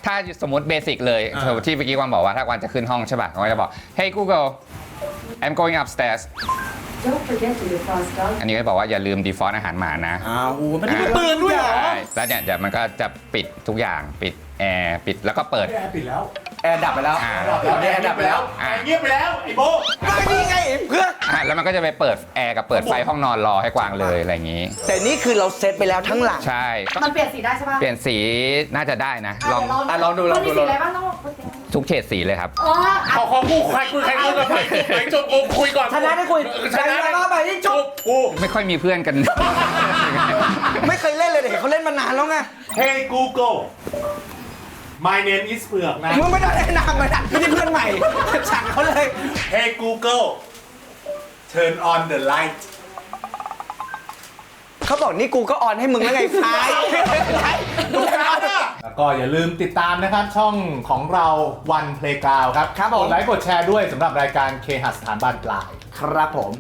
ถ้าสมมติเบสิกเลยที่เมื่อกี้กวางบอกว่าถ้ากวางจะขึ้นห้องใช่ป่ะกวางจะบอก Hey Google I'm going upstairs Don't forget to defrost dog. อันนี้ก็บอกว่าอย่าลืม default อาหารหมานะอ้าวมันมีปืนด้วยเหรอใช่แล้วเนี่ยเดี๋ยวมันก็จะปิดทุกอย่างปิดแอร์ปิดแล้วก็เปิดแอร์ปิดแล้วแอร์ดับไปแล้ว แอร์ดับไปแล้วแอร์เงียบไปแล้วไอ้โบนี่ไงเพื่อนแล้วมันก็จะไปเปิดแอร์กับเปิดไฟห้องนอนรอให้กวางเลยอะไรอย่างนี้แต่นี่คือเราเซตไปแล้วทั้งหลังใช่ก็มันเปลี่ยนสีได้ใช่ปะเปลี่ยนสีน่าจะได้นะลองลองดูมันมีสีอะไรบ้างต้องทุกเฉดสีเลยครับขอคู่ใครคุยกับใครไหนจบกูคุยก่อนชนะได้คุยชนะได้ไปที่จบกูไม่ค่อยมีเพื่อนกันไม่เคยเล่นเลยเด็กเขาเล่นมานานแล้วไง Hey Google My name is เผือกนะมึงไม่ได้แนะนำมันไม่ใช่เพื่อนใหม่สั่งเขาเลย Hey Google Turn on the light เขาบอกนี่กูก็ออนให้มึงแล้วไงซ้ายแล้วก็อย่าลืมติดตามนะครับช่องของเราวัน Playground ครับครับผมกดไลค์กดแชร์ด้วยสำหรับรายการเคหะสถานบ้านปลายครับผม